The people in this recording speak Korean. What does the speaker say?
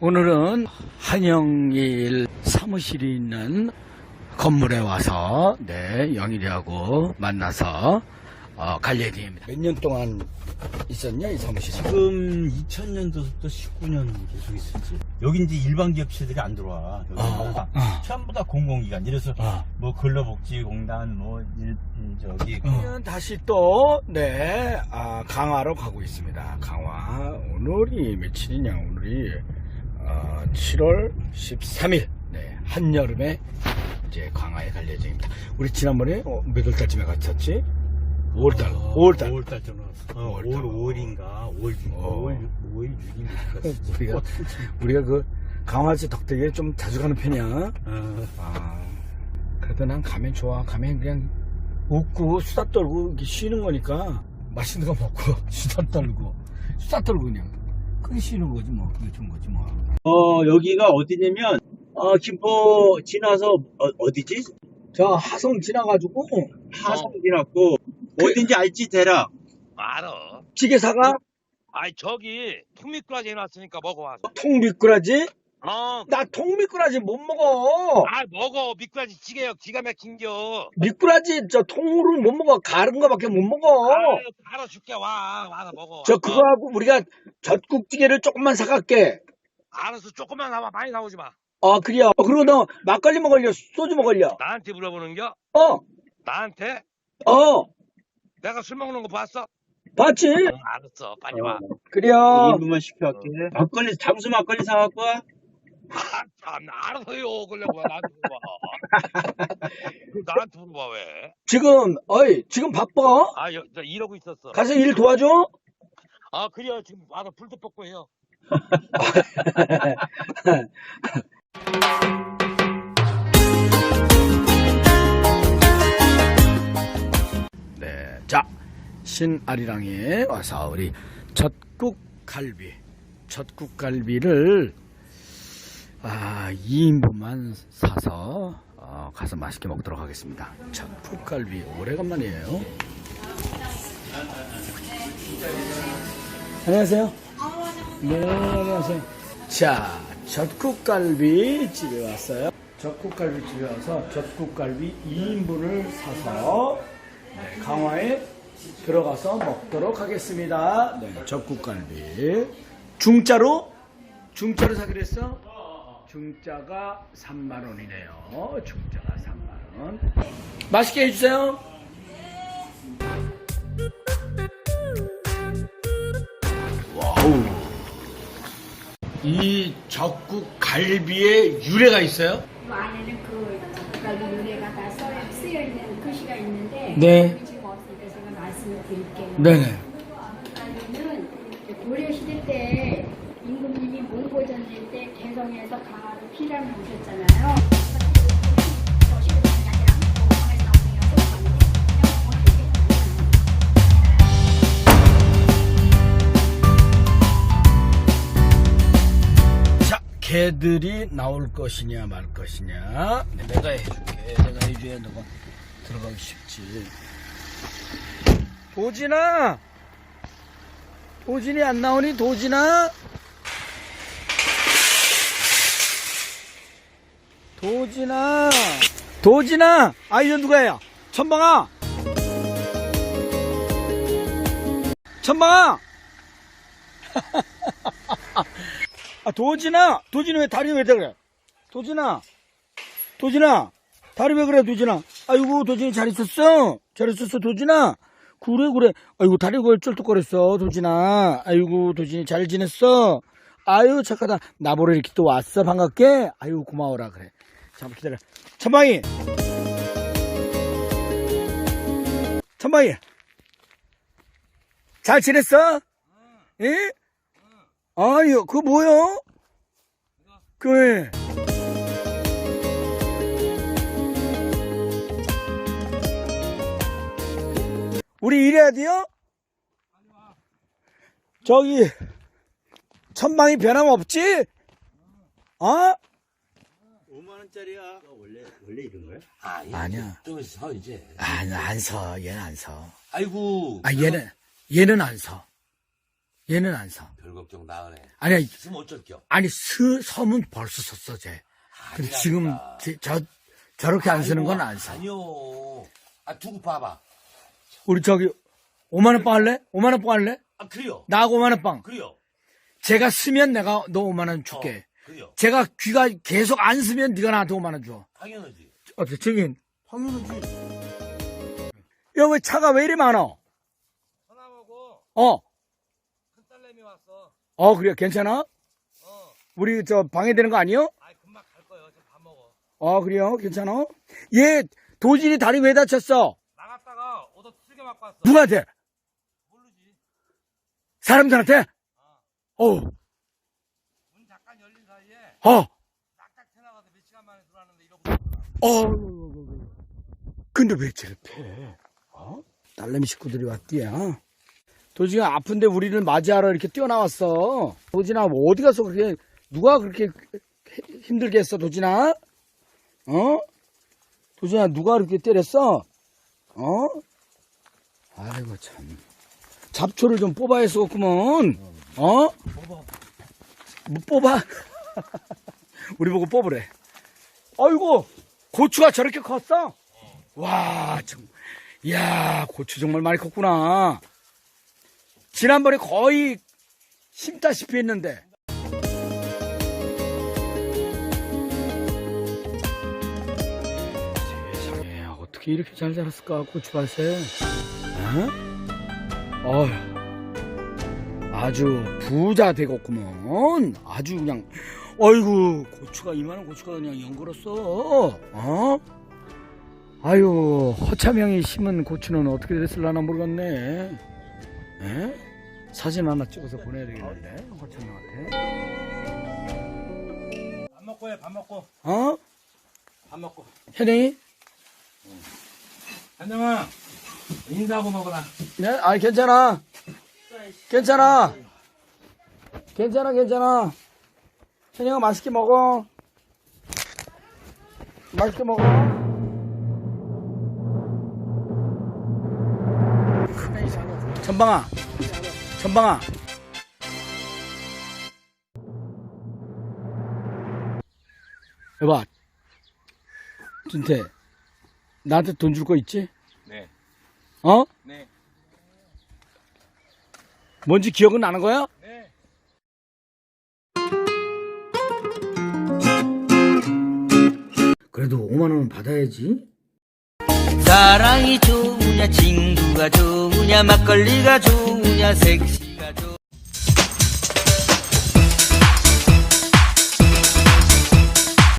오늘은 한영일 사무실이 있는 건물에 와서 영일이하고 만나서 갈 예정입니다. 몇 년 동안 있었냐 이 사무실에? 지금 2000년도부터 19년 계속 있었지. 여기 이제 일반 기업체들이 안 들어와. 여기 전부 다 공공기관. 이래서 뭐 근로복지공단 저기 다시 또 강화로 가고 있습니다. 강화. 오늘이 며칠이냐? 오늘이 7월 13일. 한여름에 이제 강화에 갈 예정입니다. 우리 지난번에 몇 월달쯤에 갔었지? 5월달 전화. 5월 5일인가 5월 6일인가. 우리가 그 강화지 덕택에 좀 자주 가는 편이야. 그래도 난 가면 좋아. 가면 그냥 웃고 수다 떨고 이렇게 쉬는 거니까 맛있는 거 먹고 수다 떨고 그냥 그게 쉬는 거지 뭐. 그게 좋은 거지 뭐. 여기가 어디냐면 김포 지나서 어디지? 저 하성 지나가지고 하성 지났고 어딘지 알지 대략? 알아. 찌개사가 아이 저기 통미꾸라지 해놨으니까 먹어와서. 통미꾸라지? 나 통미꾸라지 못 먹어. 먹어. 미꾸라지 찌개요. 기가 막힌겨. 미꾸라지 저 통으로 못 먹어. 가른 거밖에 못 먹어. 알아줄게. 와서 먹어. 저 그거하고 우리가 젖국찌개를 조금만 사갈게. 알아서 조금만 나와. 많이 나오지 마. 그래요. 그리고 너 막걸리 먹을려? 소주 먹을려? 나한테 물어보는겨? 나한테? 내가 술 먹는 거 봤어? 봤지? 알았어. 빨리 와. 그래요. 1인분만 시켜갈게. 막걸리 잠수 막걸리 사갖고 와. 참 알아서요. 그러려고 왜 나한테 물어봐. 나한테 물어봐 왜? 지금 바빠? 나 이러고 있었어. 가서 일 도와줘? 그래요. 지금 와서 불도 뻗고 해요. 자, 신아리랑에 와서 우리 젖국갈비를 2인분만 사서 가서 맛있게 먹도록 하겠습니다. 젖국갈비 오래간만이에요. 안녕하세요. 네, 안녕하세요. 자, 젖국갈비 집에 왔어요. 젖국갈비 집에 와서 젖국갈비 2인분을 사서 강화에 들어가서 먹도록 하겠습니다. 젖국갈비 중짜로 사기로 했어? 중짜가 3만원이네요. 중짜가 3만원. 맛있게 해주세요. 와우. 이 젖국갈비에 유래가 있어요? 그 안에는 그 젓갈비 유래가 다 쓰여 있는 글씨가 있는데 지금 없으니까 제가 말씀을 드릴게요. 네네. 젓갈비는 고려 시대 때 임금님이 몽고 전쟁 때 개성에서 강화로 피난을 오셨잖아요. 개들이 나올 것이냐 말 것이냐. 내가 해줄게. 내가 해줘야 너가 들어가기 쉽지. 도진이 안 나오니? 도진아 이거 누가야? 천방아 도진이 왜 다리 왜 그래? 도진아, 다리 왜 그래, 도진아? 아이고, 도진이 잘 있었어, 도진아? 그래. 아이고, 다리 왜 쩔뚝거렸어, 도진아? 아이고, 도진이 잘 지냈어? 아유, 착하다. 나보러 이렇게 또 왔어, 반갑게? 아유, 고마워라, 그래. 잠깐 기다려. 천방이! 잘 지냈어? 예? 아유, 그거 뭐야? 그래. 우리 일해야 돼요? 저기, 천방이 변함없지? 5만원짜리야. 원래 이런 거야? 아니야. 저기서 서 이제. 안 서. 얘는 안 서. 아이고. 얘는 안 서. 얘는 안 서. 별 걱정 나으네. 아니야, 있으면 어쩔겨. 아니, 섬은 벌써 섰어, 쟤. 근데 지금, 저렇게 안 쓰는 건 안 서. 아니요. 아, 두고 봐봐. 우리 저기, 5만원 빵 할래? 5만원 빵 할래? 아, 그래요. 나하고 5만원 빵. 그래요. 제가 쓰면 내가 너 5만원 줄게. 그래요. 제가 귀가 계속 안 쓰면 네가 나한테 5만원 줘. 당연하지. 어때, 증인? 당연하지. 야, 왜 차가 왜 이리 많어? 전화하고 어, 큰 딸내미 왔어. 그래, 괜찮아? 우리 저 방해되는 거 아니요? 아이, 금방 갈 거예요. 저 밥 먹어. 그래요? 괜찮아? 얘, 도진이 다리 왜 다쳤어? 나갔다가 오더 틀게 맞고 왔어. 누구한테? 모르지. 사람들한테? 어우, 문 잠깐 열린 사이에 딱딱 튀어나가서 몇 시간 만에 들어왔는데 이러고. 근데 왜 쟤를 패? 딸내미 식구들이 왔디야. 도진아 아픈데 우리를 맞이하러 이렇게 뛰어나왔어. 도진아, 뭐 어디 가서 그렇게, 누가 그렇게 힘들게 했어, 도진아? 도진아, 누가 그렇게 때렸어? 아이고, 참. 잡초를 좀 뽑아야 했었구먼. 뭐 뽑아? 우리 보고 뽑으래. 아이고, 고추가 저렇게 컸어? 와, 참. 이야, 고추 정말 많이 컸구나. 지난번에 거의 심다시피 했는데. 세상에, 어떻게 이렇게 잘 자랐을까, 고추밭에. 어휴, 아주 부자 되겠구먼. 아주 그냥, 어이구, 고추가, 이만한 고추가 그냥 연걸었어. 아유, 허참형이 심은 고추는 어떻게 됐을라나 모르겠네. 사진 하나 찍어서 보내야 되겠는데, 허참형한테. 밥 먹고 해, 밥 먹고. 밥 먹고. 현영이? 한정아, 인사하고 먹어라. 네? 아니, 괜찮아. 괜찮아. 괜찮아. 현영아, 맛있게 먹어. 맛있게 먹어. 전방아. 여봐, 준태, 나한테 돈 줄 거 있지? 네. 네. 뭔지 기억은 나는 거야? 네. 그래도 5만 원은 받아야지. 사랑이 좋으냐 친구가 좋으냐 막걸리가 좋으냐 섹시